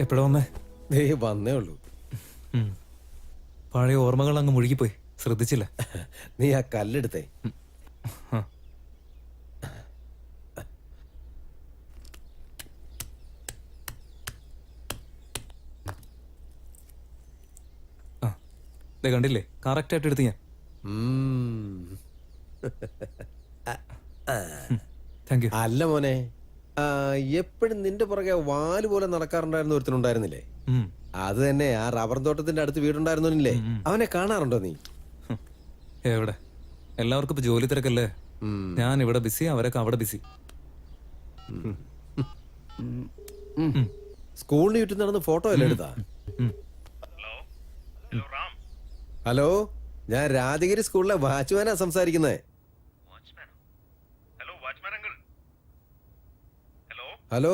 എപ്പോഴാ വന്നേ? വന്നേ ഉള്ളൂ. പഴയ ഓർമ്മകൾ അങ്ങ് മുഴുകിപ്പോയി, ശ്രദ്ധിച്ചില്ല. നീ ആ കല്ലെടുത്തേ. കണ്ടില്ലേ, കറക്റ്റ് ആയിട്ട് എടുത്ത് ഞാൻ. Thank you. അല്ല മോനെ, എപ്പോഴും നിന്റെ പുറകെ വാല് പോലെ നടക്കാറുണ്ടായിരുന്ന ഒരുത്തനുണ്ടായിരുന്നില്ലേ? അത് തന്നെ, ആ റബ്ബർ തോട്ടത്തിന്റെ അടുത്ത് വീടുണ്ടായിരുന്നില്ലേ? അവനെ കാണാറുണ്ടോ നീ? എവിടെ? എല്ലാവർക്കും ഇപ്പൊ ജോലി തിരക്കല്ലേ. ഞാൻ ഇവിടെ ബിസി, അവരൊക്കെ അവിടെ ബിസി. സ്കൂളിന് ചുറ്റും നടന്ന് ഫോട്ടോ അല്ലേ എടുത്താ? ഹലോ, ഞാൻ രാജഗിരി സ്കൂളിലെ വാച്ച്മാനാ സംസാരിക്കുന്നത്. ഹലോ,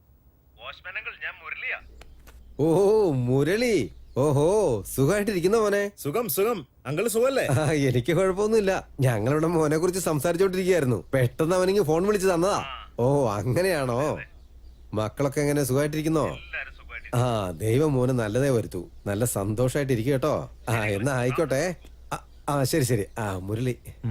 ഓഹോ മുരളി. ഓഹോ, സുഖമായിട്ടിരിക്കുന്ന മോനെ? സുഖം സുഖം. അങ്കിൾ സുഖല്ലേ? എനിക്ക് കുഴപ്പമൊന്നുമില്ല. ഞങ്ങളിവിടെ മോനെ കുറിച്ച് സംസാരിച്ചോണ്ടിരിക്കുകയായിരുന്നു. പെട്ടെന്ന് അവനിങ്ങ് ഫോൺ വിളിച്ച് തന്നതാ. ഓ അങ്ങനെയാണോ? മക്കളൊക്കെ എങ്ങനെ, സുഖമായിട്ടിരിക്കുന്നോ? ആ, ദൈവം മോന് നല്ലതേ വരുത്തൂ. നല്ല സന്തോഷായിട്ടിരിക്കും കേട്ടോ. ആ എന്നാ ആയിക്കോട്ടെ. ആ ശരി ശരി. ആ മുരളി.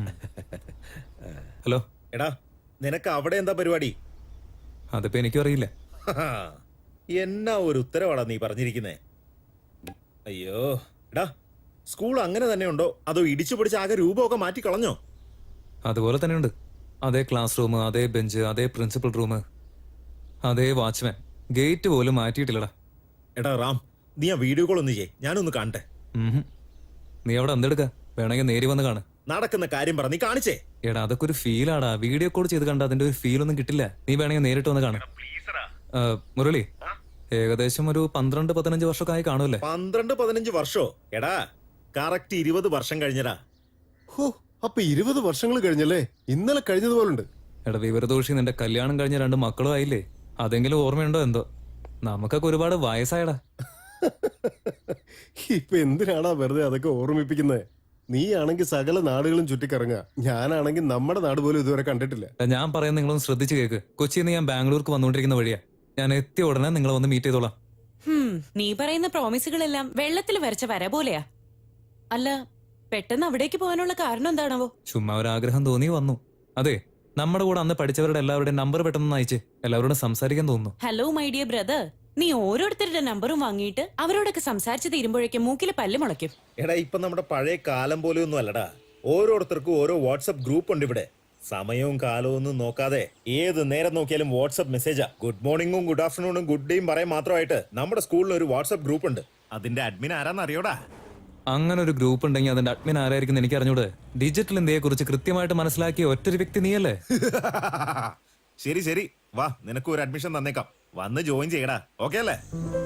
ഹലോ. എടാ, നിനക്ക് അവിടെ എന്താ പരിപാടി? അതിപ്പോ എനിക്കും അറിയില്ല. എന്നാ ഒരു ഉത്തരവാടാ നീ പറഞ്ഞിരിക്കുന്നേ. അയ്യോ എടാ, സ്കൂൾ അങ്ങനെ തന്നെ ഉണ്ടോ അതോ ഇടിച്ചു പിടിച്ച് ആകെ രൂപമൊക്കെ മാറ്റി കളഞ്ഞോ? അതുപോലെ തന്നെയുണ്ട്. അതേ ക്ലാസ് റൂം, അതേ ബെഞ്ച്, അതേ പ്രിൻസിപ്പൽ റൂം, അതേ വാച്ച്മാൻ. ഗേറ്റ് പോലും മാറ്റിയിട്ടില്ലടാ. എടാ റാം, നീ ആ വീഡിയോ കോൾ ഒന്ന് ചെയ്യേ, ഞാനൊന്ന് കാണട്ടെ. നീ അവിടെ എന്തെടുക്ക? വേണമെങ്കിൽ നേരി വന്ന് കാണ്. നടക്കുന്ന കാര്യം പറ, നീ കാണിച്ചേ. എടാ അതൊക്കെ ഒരു ഫീലാടാ. വീഡിയോ കോൾ ചെയ്ത് കണ്ട അതിന്റെ ഒരു ഫീൽ ഒന്നും കിട്ടില്ല. നീ വേണമെങ്കിൽ നേരിട്ട് വന്ന് കാണാം. മുരളി, ഏകദേശം ഒരു 12-15 വർഷമൊക്കെ ആയി കാണുമല്ലേ? 12-15 വർഷോ? എടാ കറക്റ്റ് 20 വർഷം കഴിഞ്ഞടാ. ഹോ, അപ്പൊ 20 വർഷങ്ങൾ കഴിഞ്ഞല്ലേ? ഇന്നലെ കഴിഞ്ഞതുപോലുണ്ട്. എടാ വിവരദോഷി, നിന്റെ കല്യാണം കഴിഞ്ഞ 2 മക്കളും ആയില്ലേ? അതെങ്കിലും ഓർമ്മയുണ്ടോ എന്തോ? നമുക്കൊക്കെ ഒരുപാട് വയസ്സായടാ. ഇപ്പൊ എന്തിനാടാ വെറുതെ അതൊക്കെ ഓർമ്മിപ്പിക്കുന്നത്? നീ ആണെങ്കിൽ സകല നാടുകളും ചുറ്റിക്കറങ്ങുക, ഞാനാണെങ്കിൽ നമ്മുടെ നാട് പോലും ഇതുവരെ കണ്ടിട്ടില്ല. ഞാൻ പറയുന്നത് നിങ്ങളൊന്ന് ശ്രദ്ധിച്ചു കേക്ക്. കൊച്ചിയിൽ നിന്ന് ഞാൻ ബാംഗ്ലൂർക്ക് വന്നുകൊണ്ടിരിക്കുന്ന വഴിയാ. ഞാൻ എത്തിയ ഉടനെ നിങ്ങളെ വന്ന് മീറ്റ് ചെയ്തോളാം. നീ പറയുന്ന പ്രോമിസുകളെല്ലാം വെള്ളത്തിൽ വരച്ച വര പോലെയാ. അല്ല, പെട്ടെന്ന് അവിടേക്ക് പോകാനുള്ള കാരണം എന്താണാവോ? ചുമ്മാ ഒരു ആഗ്രഹം തോന്നി വന്നു. അതെ, നമ്മുടെ കൂടെ അന്ന് പഠിച്ചവരുടെ എല്ലാവരുടെയും നമ്പർ പെട്ടെന്ന് അയച്ച് എല്ലാവരോടും സംസാരിക്കാൻ തോന്നുന്നു. ഹലോ മൈ ഡിയർ ബ്രദർ, നീ ഓരോരുത്തരുടെ നമ്പറും വാങ്ങിയിട്ട് അവരോടൊക്കെ സംസാരിച്ച് തീരുമ്പോഴേക്കും മൂക്കില് പല്ല് മുളയ്ക്കും. എടാ, ഇപ്പൊ നമ്മുടെ പഴയ കാലം പോലെയൊന്നും അല്ലടാ. ഓരോരുത്തർക്കും ഓരോ വാട്സ്ആപ്പ് ഗ്രൂപ്പ് ഉണ്ട് ഇവിടെ. സമയവും കാലവും ഒന്നും നോക്കാതെ ഏത് നേരം നോക്കിയാലും വാട്സ്ആപ്പ് മെസ്സേജാ. ഗുഡ് മോർണിംഗും ഗുഡ് ആഫ്റ്റർനൂണും ഗുഡ് ഡേയും പറയാൻ മാത്രമായിട്ട് നമ്മുടെ സ്കൂളിൽ ഒരു വാട്സ്ആപ്പ് ഗ്രൂപ്പ് ഉണ്ട്. അതിന്റെ അഡ്മിൻ ആരാന്ന് അറിയോടാ? അങ്ങനെ ഒരു ഗ്രൂപ്പ് ഉണ്ടെങ്കിൽ അതിന്റെ അഡ്മിൻ ആരായിരിക്കും എനിക്ക് അറിഞ്ഞൂടെ? ഡിജിറ്റൽ ഇന്ത്യയെ കുറിച്ച് കൃത്യമായിട്ട് മനസ്സിലാക്കിയ ഒറ്റൊരു വ്യക്തി നീയല്ലേ? ശരി ശരി, വാ, നിനക്ക് ഒരു അഡ്മിഷൻ തന്നേക്കാം. വന്ന് ജോയിൻ ചെയ്യടാ. ഓക്കെ അല്ലേ?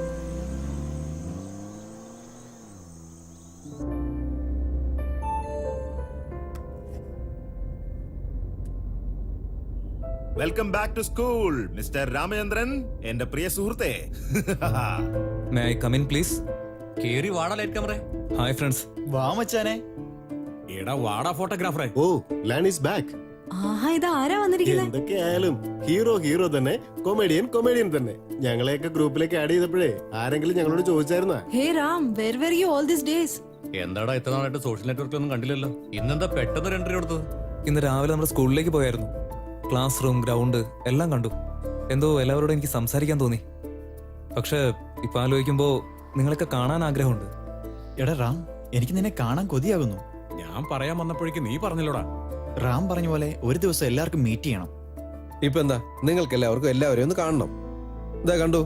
Welcome back to school mister Ramachandran, എന്റെ പ്രിയ സുഹൃത്തെ. May I come in please? കേറി വാടാ ലൈറ്റ് ക്യാമറ. Hi friends. വാ മച്ചാനെ. എടാ വാടാ ഫോട്ടോഗ്രാഫറെ. ഓ, ലാൻ ഈസ് ബാക്ക്. ആഹാ, ഇത് ആരാ വന്നിരിക്കുന്നത്? എന്തൊക്കെയായാലും ഹീറോ തന്നെ, കൊമേഡിയൻ തന്നെ. ഞങ്ങളെയൊക്കെ ഗ്രൂപ്പിലേക്ക് ആഡ് ചെയ്തപ്പോഴേ ആരെങ്കിലും ഞങ്ങളോട് ചോദിച്ചായിരുന്നാ? ഹേ Ram, where were you all these days? എന്താടാ ഇത്ര നാളായിട്ട് സോഷ്യൽ നെറ്റ്വർക്കിലൊന്നും കണ്ടില്ലല്ലോ. ഇന്നെന്താ പെട്ടെന്ന് എൻട്രി കൊടുത്തത്? ഇന്ന് രാവിലെ നമ്മുടെ സ്കൂളിലേക്ക് പോയായിരുന്നു. ക്ലാസ് റൂം, ഗ്രൗണ്ട് എല്ലാം കണ്ടു. എന്തോ എല്ലാവരോടും എനിക്ക് സംസാരിക്കാൻ തോന്നി. പക്ഷെ ഇപ്പൊ ആലോചിക്കുമ്പോ നിങ്ങളൊക്കെ കാണാൻ ആഗ്രഹമുണ്ട്. എടാ റാം, എനിക്ക് നിന്നെ കാണാൻ കൊതിയാകുന്നു. ഞാൻ പറയാൻ വന്നപ്പോഴേക്ക് നീ പറഞ്ഞല്ലോടാ. റാം പറഞ്ഞ പോലെ ഒരു ദിവസം എല്ലാവർക്കും മീറ്റ് ചെയ്യണം. ഇപ്പൊ എന്താ, നിങ്ങൾക്ക് എല്ലാവരെയും ഒന്ന് കാണണം. ഇതാ കണ്ടു.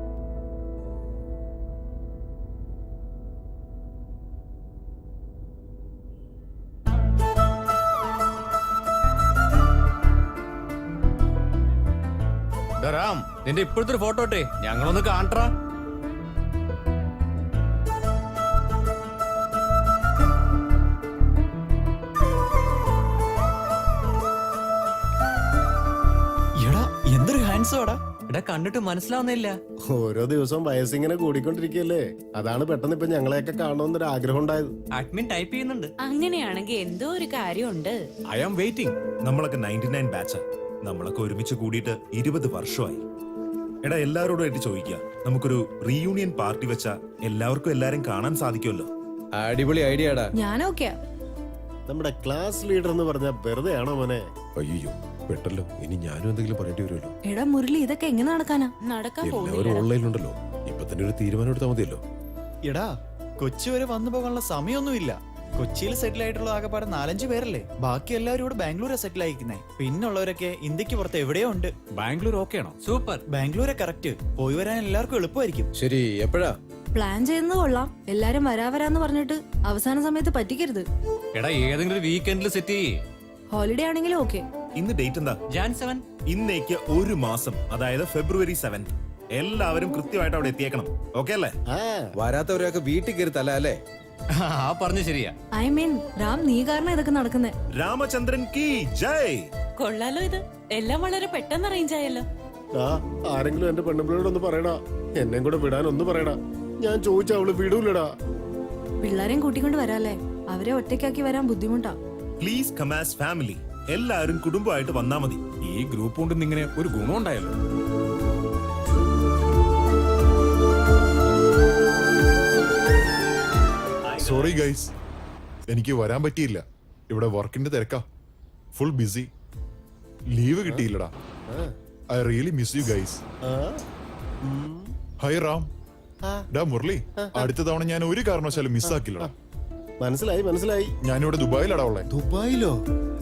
റാം, നിന്റെ ഇപ്പോഴത്തെ ഒരു ഫോട്ടോ ഇട്ടേ, ഞങ്ങളൊന്ന് കാണട്ടാ. എടാ എന്തൊരു ഹാൻഡ്സം ആടാ. എടാ കണ്ടിട്ട് മനസ്സിലാവുന്നില്ല. ഓരോ ദിവസവും വയസ്സിങ്ങനെ കൂടിക്കൊണ്ടിരിക്കുകയല്ലേ, അതാണ് പെട്ടെന്ന് ഇപ്പൊ ഞങ്ങളെയൊക്കെ കാണണമെന്നൊരു ആഗ്രഹം ഉണ്ടായത്. അഡ്മിൻ ടൈപ്പ് ചെയ്യുന്നുണ്ട്. അങ്ങനെയാണെങ്കിൽ എന്തോ ഒരു കാര്യമുണ്ട്. I am waiting. നമ്മളൊക്കെ 99 ബാച്ചാ. നമ്മളൊക്കെ ഒരുമിച്ച് കൂടിയിട്ട് 20 വർഷമായി. എടാ എല്ലാവരോടുമായിട്ട് ചോദിക്കുക, നമുക്കൊരു റീയൂണിയൻ പാർട്ടി വെച്ചാ എല്ലാവർക്കും എല്ലാരും കാണാൻ സാധിക്കുമല്ലോ. അടിപൊളി ഐഡിയ ആടാ. ഞാൻ ഓക്കെയാ. നമ്മുടെ ക്ലാസ് ലീഡർ എന്ന് പറഞ്ഞാൽ വെറുതെ ആണോ മോനെ? അയ്യോ പെട്ടല്ലോ, ഇനി ഞാനും എന്തെങ്കിലും പറയേണ്ടി വരുമല്ലോ. എടാ മുരളി, ഇതൊക്കെ എങ്ങനെ നടക്കാനാ? നടക്കാൻ എല്ലാവരും പോകുന്നില്ല. ഓൺലൈനിലുണ്ടല്ലോ, ഇപ്പൊ തന്നെ ഒരു തീരുമാനം എടുത്താൽ മതിയല്ലോ. എടാ കൊച്ചി വരെ വന്നു പോകാനുള്ള സമയമൊന്നുമില്ല. കൊച്ചിയിൽ സെറ്റിൽ ആയിട്ടുള്ള ആകെപ്പാടെ 4-5 പേരല്ലേ. ബാക്കി എല്ലാവരും ഇവിടെ ബാംഗ്ലൂരെ സെറ്റിൽ ആയിരിക്കുന്നേ. പിന്നുള്ളവരൊക്കെ ഇന്ത്യക്ക് പുറത്ത് എവിടെയോ ഉണ്ട്. ബാംഗ്ലൂർ ഓക്കെ ആണോ? സൂപ്പർ. ബാംഗ്ലൂരെ കറക്റ്റ്. പോയി വരാൻ എല്ലാവർക്കും എളുപ്പമായിരിക്കും. ശരി, എപ്പോഴാ? പ്ലാൻ ചെയ്യുന്നത് കൊള്ളാം. എല്ലാരും വരാന്ന് പറഞ്ഞിട്ട് അവസാന സമയത്ത് പറ്റിക്കരുത്. എടാ ഏതെങ്കിലും ഒരു വീക്കെൻഡിൽ സെറ്റ് ചെയ്യേ. ഹോളിഡേ ആണെങ്കിലും ഓക്കെ. ഇന്ന് ഡേറ്റ് എന്താ? ജാൻ 7. ഇന്നേക്ക് ഒരു മാസം, അതായത് ഫെബ്രുവരി 7. എല്ലാവരും കൃത്യമായിട്ട് അവിടെ എത്തിയേക്കണം. ഓക്കെ അല്ലേ? ആ വരാത്തവരൊക്കെ വീട്ടിൽ കയറി തല അല്ലേ? ആ പറഞ്ഞു ശരിയാ. ഐ മീൻ രാം, നീ കാരണം ഇതൊക്കെ നടക്കുന്നേ. രാമചന്ദ്രൻ കി ജയ്. കൊള്ളാലോ ഇത്. എല്ലാം വളരെ പെട്ടെന്ന് അറേഞ്ച് ആയല്ലോ. ആരെങ്കിലും എന്റെ പെണ്ണുപിള്ളയോടൊന്ന് പറയടാ, എന്നെ കൂടെ വിടാൻ ഒന്ന് പറയടാ. ഞാൻ ചോദിച്ച അവള് വിടൂലടാ. പിള്ളേരെയും കൂട്ടിക്കൊണ്ട് വരാല്ലേ. അവരെ ഒറ്റയ്ക്കാക്കി വരാൻ ബുദ്ധിമുട്ടാ. Please come as family. എല്ലാവരും കുടുംബമായിട്ട് വന്നാ മതി. ഈ ഗ്രൂപ്പ് കൊണ്ട് ഇങ്ങനെ ഒരു ഗുണം ഉണ്ടായല്ലോ. സോറി ഗൈസ്, എനിക്ക് വരാൻ പറ്റിയില്ല. ഇവിടെ വർക്കിന്റെ തിരക്കാ, ഫുൾ ബിസി. ലീവ് കിട്ടിയില്ലടാ. I really miss you guys. Hi Ram. ഡാ മുരളി, അടുത്ത തവണ ഞാൻ ഒരു കാരണവശാലും മിസ്സാക്കില്ലടാ. മനസ്സിലായി മനസ്സിലായി. ഞാനിവിടെ ദുബായിലടാ ഉള്ളേ. ദുബായിലോ?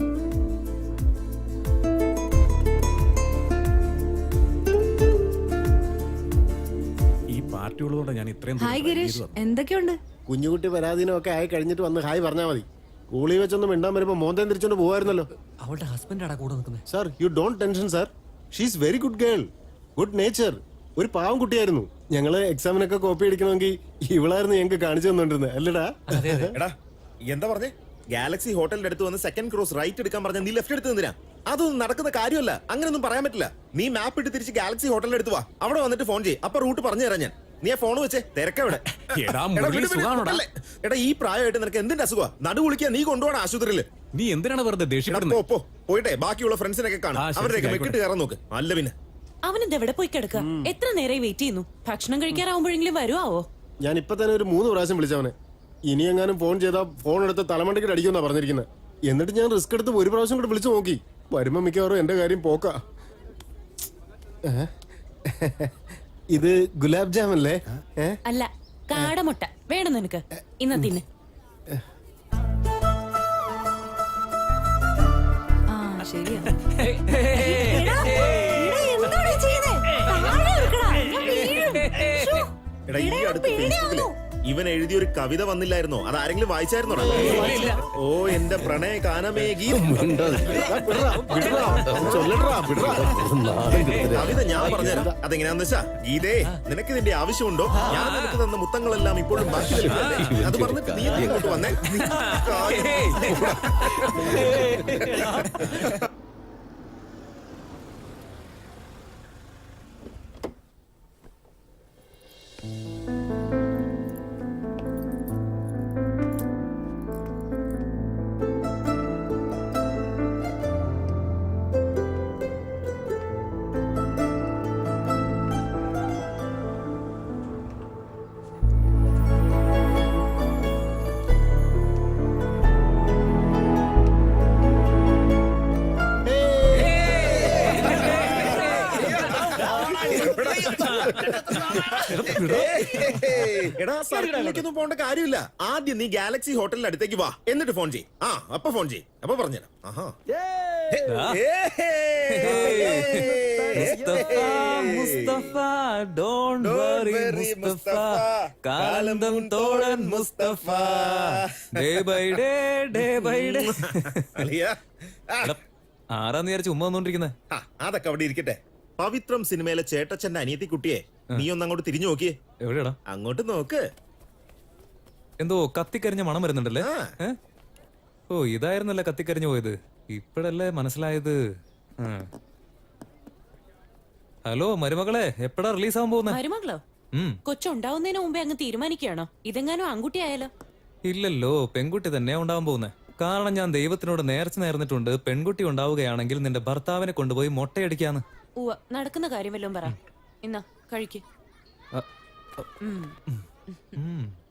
ഈ പാർട്ടി ഉള്ളതുകൊണ്ട് ഞാൻ ഇത്രയും ഹായ് ഗിരീഷ്, എന്തൊക്കെയുണ്ട്? കുഞ്ഞുകുട്ടി പരാധീനമൊക്കെ ആയി കഴിഞ്ഞിട്ട് വന്ന് ഹായ് പറഞ്ഞാ മതി. സ്കൂളിൽ വെച്ചൊന്നും മിണ്ടാൻ വരുമ്പോ മോന്തേം തിരിച്ചോണ്ട് പോവായിരുന്നല്ലോ. അവളുടെ ഹസ്ബൻഡാടാ കൂടെ നിൽക്കുന്നത്. Sir, you don't tension sir. She's very good girl, good nature. ഒരു പാവം കുട്ടിയായിരുന്നു. ഞങ്ങള് എക്സാമിനൊക്കെ കോപ്പി അടിക്കണമെങ്കിൽ ഇവളായിരുന്നു ഞങ്ങൾക്ക് കാണിച്ചു തന്നോണ്ടിരുന്നത് അല്ലടാ? എടാ എന്താ പറഞ്ഞേ? ഗാലക്സി ഹോട്ടലിന്റെ അടുത്ത് വന്ന് സെക്കൻഡ് ക്രോസ് റൈറ്റ് എടുക്കാൻ പറഞ്ഞ നീ ലെഫ്റ്റ് എടുത്ത് നിന്നിനാ? അതൊന്നും നടക്കുന്ന കാര്യമല്ല. അങ്ങനെയൊന്നും പറയാൻ പറ്റില്ല. നീ മാപ്പ് ഇട്ട് തിരിച്ച് ഗാലക്സി ഹോട്ടലിന്റെ അടുത്ത് വാ. അവിടെ വന്നിട്ട് ഫോൺ ചെയ്യ്. അപ്പൊ റൂട്ട് പറഞ്ഞു തരാം ഞാൻ. നീ ആ ഫോൺ വെച്ചേ തിരക്കെവിടെ? എടാ മുരളി, സുഖാണോടാ? എടാ ഈ പ്രായമായിട്ട് നിനക്ക് എന്തിന്റെ അസുഖമാ? നടു കുളിക്കാൻ നീ കൊണ്ടുപോകണം ആശുപത്രിയില്. നീ എന്തിനാണ് വെറുതെ എടാ ദേഷ്യപ്പെടുന്നത്? പോ പോയിട്ടെ ബാക്കിയുള്ള ഫ്രണ്ട്സിനൊക്കെ കാണാം. ആ, ശരി, അവരുടെയൊക്കെ ശരി, വെക്കിട്ട് കയറാൻ നോക്ക്. അല്ല പിന്നെ അവനെന്ത് എവിടെ പോയി കിടക്കുക? എത്ര നേരമായി വെയിറ്റ് ചെയ്യുന്നു? ഭക്ഷണം കഴിക്കാറാവുമ്പോഴെങ്കിലും വരുവാവോ? ഞാൻ ഇപ്പൊ തന്നെ ഒരു 3 പ്രാവശ്യം വിളിച്ചവനെ. ഇനി എങ്ങാനും ഫോൺ ചെയ്താൽ ഫോൺ എടുത്ത് തലമണ്ടയ്ക്ക് അടിക്കുമെന്നാ പറഞ്ഞിരിക്കുന്നത്. എന്നിട്ട് ഞാൻ റിസ്ക് എടുത്ത് ഒരു പ്രാവശ്യം കൂടെ വിളിച്ചു നോക്കി. വരുമ്പോ മിക്കവാറും എന്റെ കാര്യം പോക്കാ. ഇത് ഗുലാബ് ജാം അല്ലേ? അല്ല, കാടമുട്ട വേണം നിനക്ക്. ഇന്ന് തിന്ന്. ആ ശരിയാ. എടാ, എന്താണ് ഈ ചെയ്യുന്നേ? താഴെ ഇരിക്കടാ, ഞാൻ വീഴും. ശ്ശോ. എടാ ഈ അടുത്ത് ഫേസ്ബുക്കില് ഇവൻ എഴുതിയൊരു കവിത വന്നില്ലായിരുന്നോ? അത് ആരെങ്കിലും വായിച്ചായിരുന്നോടാ? ഓ എന്റെ പ്രണയ കാനമേ ഗീതം. കവിത ഞാൻ പറഞ്ഞുതരാം. അതെങ്ങനെയാന്ന് വെച്ചാ, ഗീതേ നിനക്ക് ഇതിന്റെ ആവശ്യമുണ്ടോ? ഞാൻ നിനക്ക് തന്ന മുത്തങ്ങളെല്ലാം ഇപ്പോഴും ബാക്കി നിൽപ്പല്ലേ? അത് പറഞ്ഞിട്ട് നീ ഇങ്ങോട്ട് വന്നേ. എടാ സർക്കിളിലേക്കൊന്നും പോകേണ്ട കാര്യമില്ല. ആദ്യം നീ ഗാലക്സി ഹോട്ടലിന്റെ അടുത്തേക്ക് വാ, എന്നിട്ട് ഫോൺ ചെയ്യ്. ആ അപ്പൊ ഫോൺ ചെയ്യ്. അപ്പൊ പറഞ്ഞുതരാം. Mustafa, Mustafa, don't worry, Mustafa, കാലന്തം തോഴൻ Mustafa, day by day. എടാ, ആരാന്ന് വിചാരിച്ച് ഉമ്മ വന്നോണ്ടിരിക്കുന്നെ? അതൊക്കെ അവിടെ ഇരിക്കട്ടെ. പവിത്രം സിനിമയിലെ ചേട്ടച്ചന്റെ അനിയത്തി കുട്ടിയെ നീ ഒന്ന് അങ്ങോട്ട് തിരിഞ്ഞു നോക്കിയേ. എവിടെയാടാ? അങ്ങോട്ട് നോക്ക്. എന്തോ കത്തിക്കരിഞ്ഞ മണം വരുന്നുണ്ടല്ലേ? ഏ? ഓ ഇതായിരുന്നല്ലേ കത്തിക്കരിഞ്ഞു പോയത്. ഇപ്പഴല്ലേ മനസ്സിലായത്. ഹലോ മരുമകളെ, എപ്പോഴാ റിലീസ് ആവാൻ പോകുന്നത്? മരുമകളോ? കൊച്ചുണ്ടാവുന്നതിന് മുമ്പേ അങ്ങ് തീരുമാനിക്കുകയാണോ? ഇതെങ്ങാനും ആൺകുട്ടി ആയാലോ? ഇല്ലല്ലോ, പെൺകുട്ടി തന്നെയാ ഉണ്ടാവാൻ പോകുന്നത്. കാരണം ഞാൻ ദൈവത്തിനോട് നേർച്ച നേർന്നിട്ടുണ്ട്, പെൺകുട്ടി ഉണ്ടാവുകയാണെങ്കിൽ നിന്റെ ഭർത്താവിനെ കൊണ്ടുപോയി മൊട്ടയടിക്കാന്ന്. ഉവ്വ, നടക്കുന്ന കാര്യം വല്ലതും പറ. ഇന്നാ കഴിക്ക് ഉം.